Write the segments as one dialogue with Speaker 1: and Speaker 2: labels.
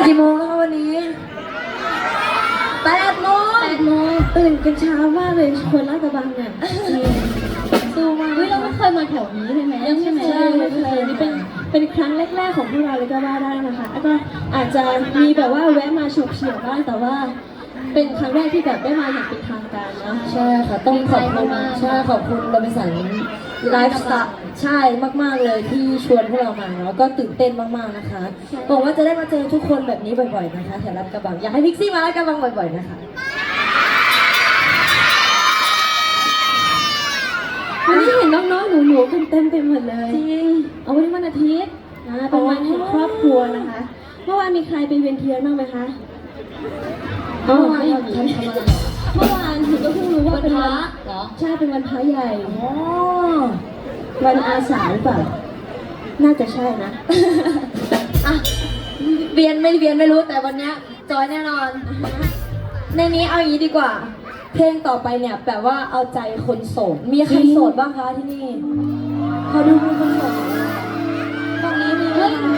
Speaker 1: กี่โมงแล้วคะวันนี้8 โมง
Speaker 2: ตื่นกันเช้ามากเลยคนลาดกระบังเนี่ยสู้มาก
Speaker 3: เฮ้ยเราไม่เคยมาแถวนี้ใช่ไหม
Speaker 2: ยังไม่เคยนี่เป็นครั้งแรกๆของพวกเราเลยก็ว่าได้นะคะแล้วก็อาจจะมีแบบว่าแวะมาฉกเฉี่ยวบ้างแต่ว่าเป็นครั้งแรกที่แบบได้มาอย่างเป็นทางการเนาะ
Speaker 1: ใช่ค่ะต้องขอบคุณใช่ขอบคุณโรบินสันไลฟ์สไตล์ใช่มากๆเลยที่ชวนพวกเรามาเนาะก็ตื่นเต้นมากๆนะคะหวังว่าจะได้มาเจอทุกคนแบบนี้บ่อยๆนะคะแถวลาดกระบังอยากให้พิกซี่มาลาดกระบังบ่อยๆนะคะ
Speaker 2: วันนี้เห็นน้องๆหนูๆกันเต็มไปหมดเลย
Speaker 1: จริง
Speaker 2: เอาวันนี้วันอาทิตย์เป็นวันแห่งครอบครัวนะคะเมื่อวานมีใครไปเวียนเทียนบ้างไหมคะ
Speaker 1: เมื่อวานเราทำอะไร
Speaker 2: เมื่อวานหนูก็เพิ่งรู้ว่าเป็นวัน
Speaker 1: เหรอ
Speaker 2: ใช่เป็นวันพระใหญ่
Speaker 1: อ๋อ
Speaker 2: วันอาสาหรือเปล่าน่าจะใช่นะ
Speaker 1: อ่ะเวียนไม่รู้แต่วันนี้จอยแน่นอนในนี้เอาอย่างนี้ดีกว่าเพลงต่อไปเนี่ยแบบว่าเอาใจคนโสดมีใครโสดบ้างคะที่นี่เขาดูมีคนโสดตรงนี้มีไหมคะ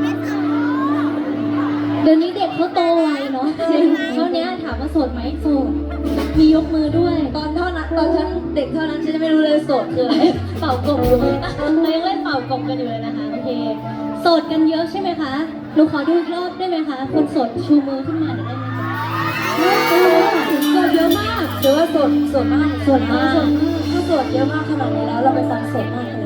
Speaker 3: เดี๋ยวนี้เด็กเขาโตไวเนาะจริงเท่านี้ถามว่าโสดไหมโสดมียกมือด้วย
Speaker 1: ตอนฉันเด็กเท่านั้นฉันจะไม่รู้เลยโสดคืออะไร
Speaker 3: เป่ากบอยู่เลยเรายังเล่นเป่ากบกันอยู่เลยนะคะโอเคโสดกันเยอะใช่ไหมคะหนูขอดูอีกรอบได้ไหมคะคนโสดชูมือขึ้นมาเดี๋ยวได้ไหม
Speaker 1: โสดเยอะมากหรือว่าโสดมากถ้าโสดเยอะมากขนาดนี้แล้วเราไปฟังโสดมากกัน